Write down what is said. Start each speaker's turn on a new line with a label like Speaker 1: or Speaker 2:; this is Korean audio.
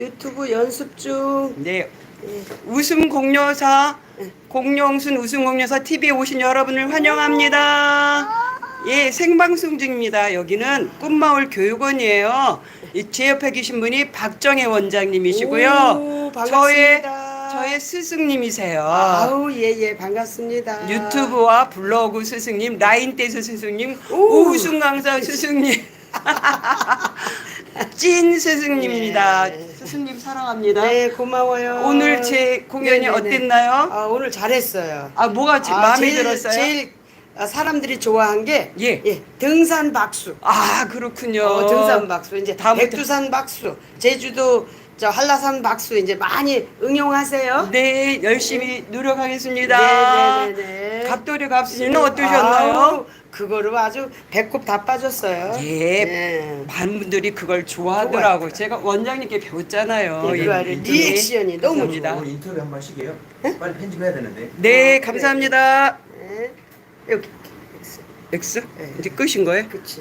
Speaker 1: 유튜브 연습 중.
Speaker 2: 네, 웃음 공룡사 공룡순 웃음 공룡사 TV에 오신 여러분을 환영합니다. 예, 생방송 중입니다. 여기는 꿈마을 교육원이에요. 제 옆에 계신 분이 박정혜 원장님이시고요.
Speaker 1: 오, 반갑습니다.
Speaker 2: 저의 스승님이세요.
Speaker 1: 아우, 예, 반갑습니다.
Speaker 2: 유튜브와 블로그 스승님, 라인댄스 스승님,
Speaker 1: 오.
Speaker 2: 우승 강사 스승님. 찐 스승님입니다.
Speaker 1: 네.
Speaker 2: 스승님 사랑합니다.
Speaker 1: 네, 고마워요.
Speaker 2: 오늘 제 공연이
Speaker 1: 네네네.
Speaker 2: 어땠나요?
Speaker 1: 아, 오늘 잘했어요.
Speaker 2: 아, 뭐가 마음에
Speaker 1: 제일,
Speaker 2: 들었어요?
Speaker 1: 제일 사람들이 좋아한 게
Speaker 2: 예.
Speaker 1: 등산 박수.
Speaker 2: 아, 그렇군요.
Speaker 1: 등산 박수. 이제
Speaker 2: 다음부터-
Speaker 1: 백두산 박수, 제주도 한라산 박수 이제 많이 응용하세요.
Speaker 2: 네, 열심히 노력하겠습니다.
Speaker 1: 네네네.
Speaker 2: 갑돌이 갑수는 어떠셨나요?
Speaker 1: 아우, 그거를 아주 배꼽 다 빠졌어요.
Speaker 2: 예,
Speaker 1: 네.
Speaker 2: 많은 분들이 그걸 좋아하더라고.
Speaker 1: 좋아하더라고요.
Speaker 2: 제가 원장님께 배웠잖아요.
Speaker 1: 네, 그 아래
Speaker 2: 인터뷰.
Speaker 1: 리액션이 너무
Speaker 2: 감사합니다.
Speaker 3: 오늘 인터뷰 한번 하시게요? 빨리 편집해야 되는데.
Speaker 2: 네,
Speaker 1: 그래.
Speaker 2: 감사합니다.
Speaker 1: 네. 여기
Speaker 2: X?
Speaker 1: 네.
Speaker 2: 이제 끝인 거예요?
Speaker 1: 그치.